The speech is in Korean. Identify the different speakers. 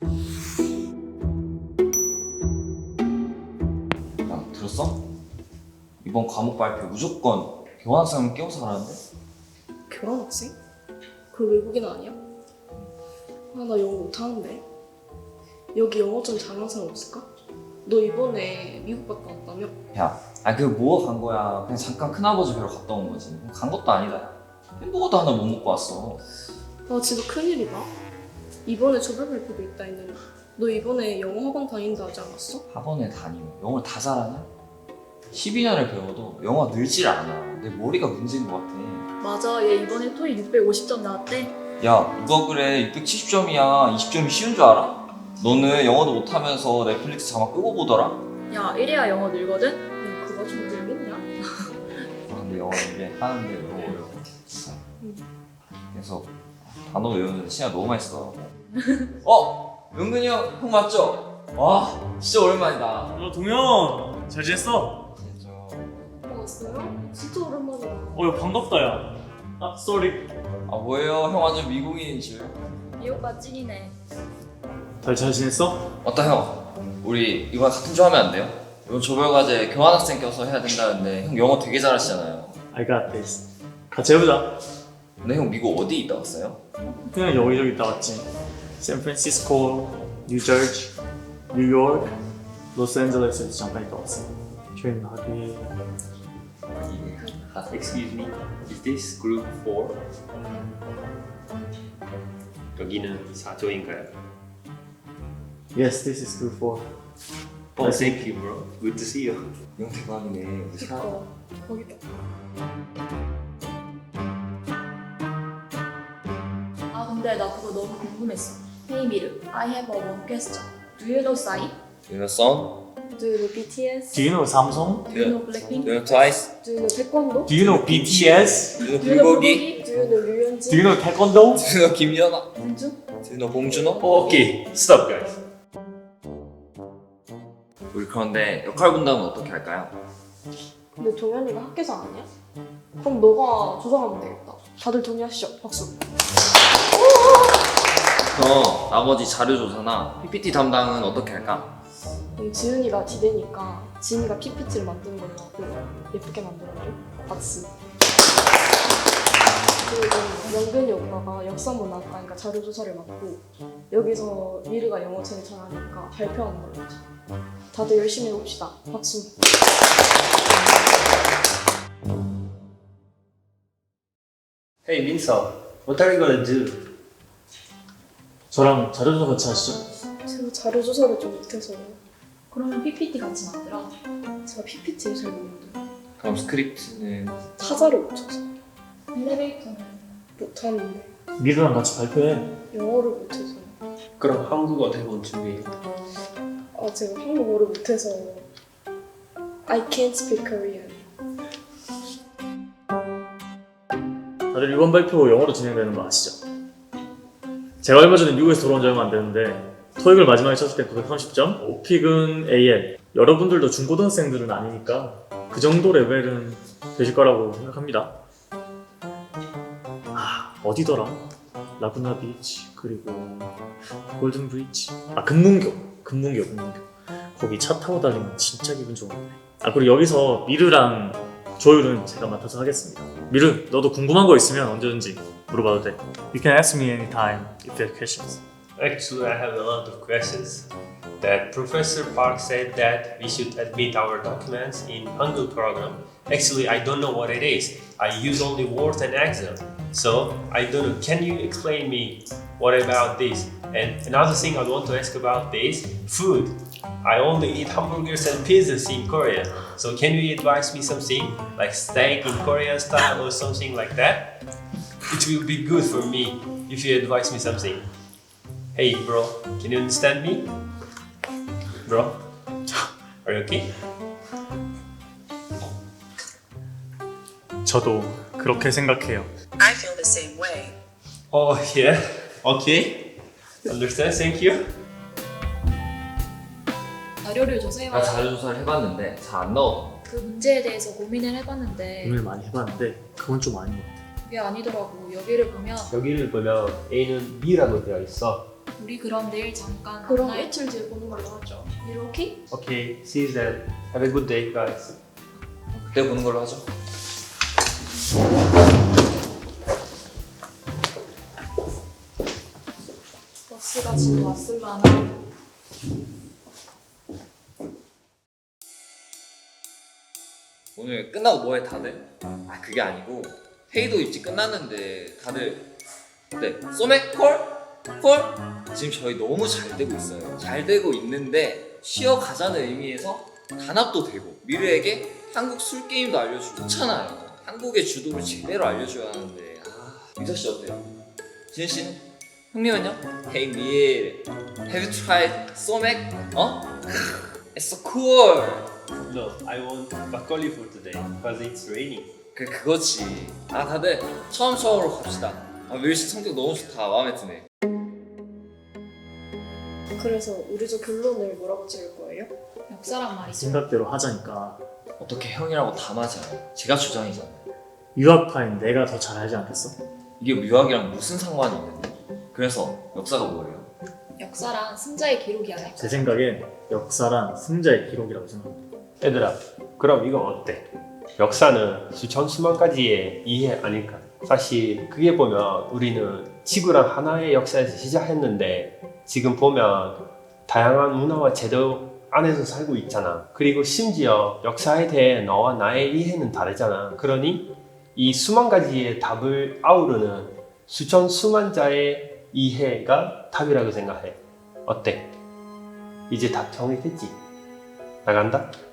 Speaker 1: 야, 들었어? 이번 과목 발표 무조건 교환학생을 끼워서 하라는데?
Speaker 2: 교환학생? 그 외국인 아니야? 아, 나 영어 못하는데. 여기 영어 좀 잘하는 사람 없을까? 너 이번에 미국 갔다 왔다며?
Speaker 1: 야, 그 뭐가 간 거야? 그냥 잠깐 큰아버지 뵈러 갔다 온 거지. 간 것도 아니다. 햄버거도 하나 못 먹고 왔어.
Speaker 2: 나 진짜 큰일이다. 이번에 조별 발표도 있다 했는데 너 이번에 영어 학원 다닌다 하지 않았어?
Speaker 1: 학원에 다니면 영어를 다 잘하냐? 12년을 배워도 영어가 늘질 않아. 내 머리가 문제인 것 같아.
Speaker 3: 맞아, 얘 이번에 토익 650점 나왔대.
Speaker 1: 야, 누가 그래? 670점이야. 20점이 쉬운 줄 알아? 너는 영어도 못하면서 넷플릭스 자막 끄고 보더라?
Speaker 3: 야, 이래야 영어 늘거든?
Speaker 2: 야, 그거 좀 늘겠냐?
Speaker 1: 근데 영어 이게 하는데 너무 어려워. 그래서 단어 외우는데 시간 너무 많이 쓰더라고. 은근히 형 맞죠? 와, 진짜 오랜만이다.
Speaker 4: 동현 잘 지냈어?
Speaker 2: 왔어요? 진짜 오랜만이다.
Speaker 4: 야 반갑다 야. 아 쏘리.
Speaker 1: 뭐예요? 형 완전 미국인인 줄.
Speaker 3: 이 오빠 찐이네.
Speaker 4: 잘 지냈어?
Speaker 1: 맞다 형. 우리 이번 같은 조 하면 안 돼요? 이번 조별과제 교환학생 껴서 해야 된다는데 형 영어 되게 잘하시잖아요.
Speaker 4: I got this. 같이 해보자.
Speaker 1: 근데 형 미국 어디 있다 왔어요?
Speaker 4: 그냥 여기저기 있다 왔지. 샌프란시스코, 뉴저지, 뉴욕, 로스앤젤레스에서 잠깐 있다 왔어. 조용하게.
Speaker 5: Excuse me, is this group 4? 여기는 4조인가요?
Speaker 4: Yes, this is group 4.
Speaker 5: Oh, thank you, bro. Good to see you.
Speaker 1: 형 대박이네. 우리 사...
Speaker 2: 거기다.
Speaker 3: 아, 근데 나 그거 너무 궁금했어. Hey 미르, I have a one question. Do you know Psy?
Speaker 1: You know Son?
Speaker 2: Do you know BTS?
Speaker 4: Do you know 삼성?
Speaker 3: Do you know Blackpink?
Speaker 1: Do you know Twice?
Speaker 2: Do you know 태권도?
Speaker 4: Do you know BTS?
Speaker 1: Do you know
Speaker 3: Do you know
Speaker 1: 불고기?
Speaker 2: Do you know 류현진?
Speaker 4: Do you know 태권도?
Speaker 1: Do you know 김연아?
Speaker 3: 공주?
Speaker 1: Do you know 봉준호?
Speaker 5: Okay, stop, guys.
Speaker 1: 우리 그런데 역할 분담은 어떻게 할까요?
Speaker 2: 근데 동현이가 학계장 아니야? 그럼 너가 조정하면 되겠다. 다들 동의하시죠? 박수.
Speaker 1: 그럼 나머지 자료 조사나 PPT 담당은 어떻게 할까?
Speaker 2: 그럼 지은이가 디대니까 지은이가 PPT를 만드는 걸로 하고 예쁘게 만들어줘. 박수. 그리고 명근이 오빠가 역사문화과니까 자료 조사를 맡고 여기서 미르가 영어 제일 잘하니까 발표하는 걸로 하자. 다들 열심히 해봅시다. 박수.
Speaker 5: Hey, Vinsal, what are you gonna do?
Speaker 4: 저랑 자료조사 같이 하시죠.
Speaker 2: 제가 자료 조사를 좀 못해서
Speaker 3: 그러면 PPT 같이 만들어.
Speaker 2: 제가 PPT를 잘 모르는데
Speaker 1: 그럼 스크립트는
Speaker 2: 타자를 못 쳐서
Speaker 3: 엘리베이터는
Speaker 2: 못하는데
Speaker 4: 미르랑 같이 발표해.
Speaker 2: 영어를 못해서
Speaker 5: 그럼 한국어 대본 준비해.
Speaker 2: 제가 한국어를 못해서 I can't speak Korean.
Speaker 4: 다들 이번 발표 영어로 진행되는 거 아시죠? 제가 얼마 전에 미국에서 돌아온 지 얼마 안 됐는데 토익을 마지막에 쳤을 때 930점, 오픽은 AL. 여러분들도 중고등학생들은 아니니까 그 정도 레벨은 되실 거라고 생각합니다. 어디더라? 라구나 비치 그리고 골든 브리지. 금문교. 거기 차 타고 다니면 진짜 기분 좋은데. 그리고 여기서 미르랑 조율은 제가 맡아서 하겠습니다. 미르, 너도 궁금한 거 있으면 언제든지 물어봐도 돼. You can ask me anytime if you have questions.
Speaker 5: Actually, I have a lot of questions. That Professor Park said that we should admit our documents in Hangul program. Actually, I don't know what it is. I use only Word and Excel. So, I don't know. Can you explain me what about this? And another thing I want to ask about this, food. I only eat hamburgers and pizzas in Korea. So, can you advise me something like steak in Korean style or something like that? It will be good for me if you advise me something. Hey bro, can you understand me? Bro, are you okay?
Speaker 4: 저도 그렇게 생각해요.
Speaker 6: I feel the same way.
Speaker 5: Oh yeah, okay. Understand, thank you.
Speaker 3: 자료를
Speaker 1: 나
Speaker 3: 조사해봐.
Speaker 1: 자료 조사를 해봤는데 잘 안 나오더라고.
Speaker 3: 그 문제에 대해서 고민을 해봤는데
Speaker 4: 고민을 많이 해봤는데 그건 좀 아닌 것 같아.
Speaker 3: 그게 아니더라고. 여기를 보면
Speaker 5: 여기를 보면 A는 B라고 되어 있어.
Speaker 3: 우리 그럼 내일 잠깐
Speaker 2: 그럼
Speaker 3: 만나요.
Speaker 2: 며칠 뒤에 보는 걸로 하죠.
Speaker 3: 이렇게?
Speaker 5: Okay, see you then. Have a good day, guys.
Speaker 1: 그때 보는 걸로 하죠.
Speaker 2: 버스가 지금 왔을라나?
Speaker 1: 오늘 끝나고 뭐해 다들? 아 그게 아니고 회의도 일찍 끝났는데 다들 네 소맥 콜? 콜? 지금 저희 너무 잘 되고 있어요. 잘 되고 있는데 쉬어가자는 의미에서 단합도 되고 미르에게 한국 술 게임도 알려주고 좋잖아요. 한국의 주도를 제대로 알려줘야 하는데 민서 씨 어때요? 지은 씨는? 형님은요? Hey 밀, have you tried 소맥? 어? It's so cool.
Speaker 5: No, I want 막걸리 for today because it's raining.
Speaker 1: 그거지. 다들 처음으로 갑시다. 밀씨 성격 너무 좋다. 마음에 드네.
Speaker 2: 그래서 우리 저 결론을 뭐라고 지을 거예요?
Speaker 3: 역사란 말이죠.
Speaker 4: 생각대로 하자니까
Speaker 1: 어떻게 형이라고 다 맞아요. 제가 주장이잖아요.
Speaker 4: 유학파인 내가 더 잘 알지 않겠어?
Speaker 1: 이게 유학이랑 무슨 상관이 있는데? 그래서 역사가 뭐예요?
Speaker 3: 역사란 승자의 기록이 아닐까.
Speaker 4: 제 생각엔 역사란 승자의 기록이라고 생각합니다.
Speaker 5: 얘들아, 그럼 이건 어때? 역사는 수천 수만 가지의 이해 아닐까? 사실 그게 보면 우리는 지구란 하나의 역사에서 시작했는데 지금 보면 다양한 문화와 제도 안에서 살고 있잖아. 그리고 심지어 역사에 대해 너와 나의 이해는 다르잖아. 그러니 이 수만 가지의 답을 아우르는 수천 수만 자의 이해가 답이라고 생각해. 어때? 이제 답 정리됐지? 나간다?